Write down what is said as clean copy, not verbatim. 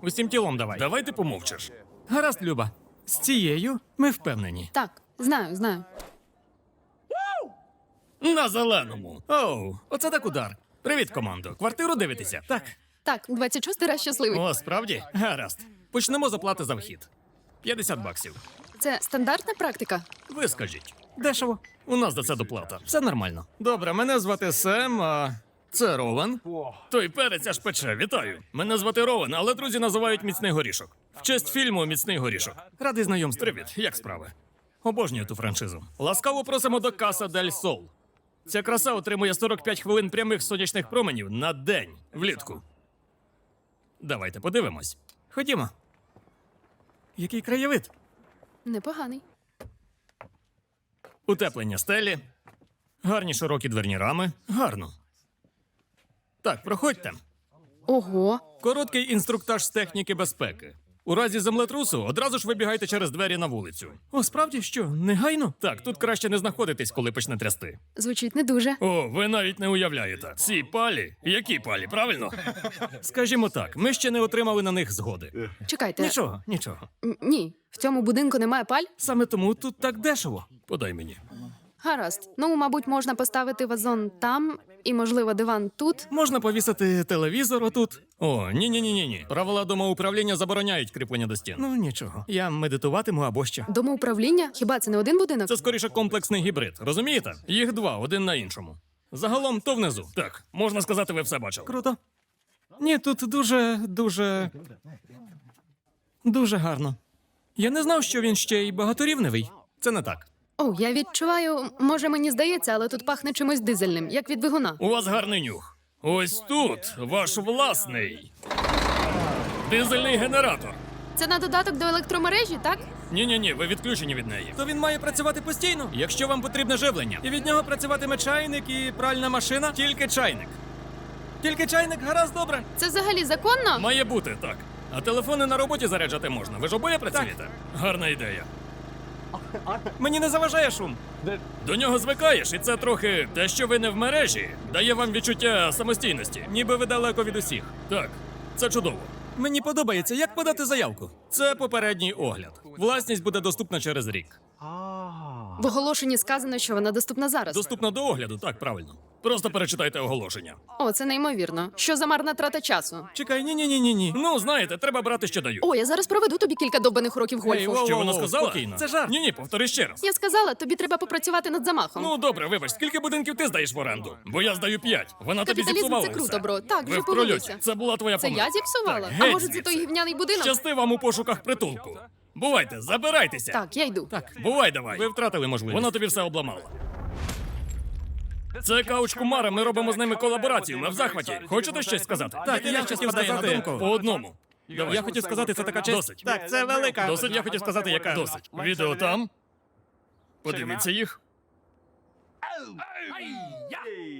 Усім тілом давай. Давай ти помовчиш. Гаразд, Люба. З цією ми впевнені. Так, знаю. На зеленому. Оу, оце так удар. Привіт, командо. Квартиру дивитеся? Так. Так, 26-й раз щасливий. О, справді? Гаразд. Почнемо з оплати за вхід. $50. Це стандартна практика? Ви скажіть. Дешево. У нас за це доплата. Все нормально. Добре, мене звати Сем, а це Рован. Той перець аж пече, вітаю. Мене звати Рован, але друзі називають Міцний горішок. В честь фільму Міцний горішок. Радий знайомству. Привіт, як справи? Обожнюю ту франшизу. Ласкаво просимо до Каса Дель Сол. Ця краса отримує 45 хвилин прямих сонячних променів на день влітку. Давайте подивимось. Ходімо. Який краєвид? Непоганий. Утеплення стелі, гарні широкі дверні рами. Гарно. Так, проходьте. Ого. Короткий інструктаж з техніки безпеки. У разі землетрусу одразу ж вибігайте через двері на вулицю. О, справді що? Негайно? Так, тут краще не знаходитись, коли почне трясти. Звучить не дуже. О, ви навіть не уявляєте. Ці палі? Які палі, правильно? Скажімо так, ми ще не отримали на них згоди. Чекайте. Нічого. Ні, в цьому будинку немає паль? Саме тому тут так дешево. Подай мені. Гаразд. Ну, мабуть, можна поставити вазон там і, можливо, диван тут. Можна повісити телевізор отут. О, ні. Правила домоуправління забороняють кріплення до стін. Ну, нічого. Я медитуватиму або що. Домоуправління? Хіба це не один будинок? Це скоріше комплексний гібрид, розумієте? Їх два, один на іншому. Загалом то внизу. Так, можна сказати, ви все бачили. Круто. Ні, тут дуже гарно. Я не знав, що він ще й багаторівневий. Це не так. О, я відчуваю, може мені здається, але тут пахне чимось дизельним, як від двигуна. У вас гарний нюх. Ось тут ваш власний дизельний генератор. Це на додаток до електромережі, так? Ні, ви відключені від неї. То він має працювати постійно. Якщо вам потрібне живлення, І від нього працюватиме чайник і пральна машина. тільки чайник. Тільки чайник, гаразд, добре. Це взагалі законно? Має бути, так. А телефони на роботі заряджати можна. Ви ж обоє працюєте? Гарна ідея. Мені не заважає шум. До нього звикаєш, і це трохи те, що ви не в мережі, дає вам відчуття самостійності. Ніби ви далеко від усіх. Так, це чудово. Мені подобається, як подати заявку. Це попередній огляд. Власність буде доступна через рік. В оголошенні сказано, що вона доступна зараз. Доступна до огляду, так, правильно. Просто перечитайте оголошення. О, це неймовірно. Що за марна трата часу? Чекай, ні. Ну, знаєте, треба брати, що дають. О, я зараз проведу тобі кілька довбаних років гольфу. воу. Що вона сказала? спокійно. Це жарт. Ні, повтори ще раз. Я сказала, тобі треба попрацювати над замахом. Ну, добре, вибач, скільки будинків ти здаєш в оренду? Бо я здаю 5. Вона тобі Капіталізм зіпсувала це круто, все. бро. Так, Ви вже в прольоті. погодився. Це була твоя Це помилка. я зіпсувала? Так, А геть може, це звідси. той гівняний будинок? Щасти вам у пошуках притулку. Бувайте, забирайтеся. Так, я йду. Так. Бувай давай. Ви втратили можливість. Вона тобі все обламала. Це Кауч Кумара, ми робимо з ними колаборацію. Ми в захваті. Хочете щось сказати? Так, я хотів сказати по одному. Давай. Я хотів сказати, це така честь. Досить. Так, це велика. Досить, я хотів сказати, яка. Досить. Відео там. Подивіться їх.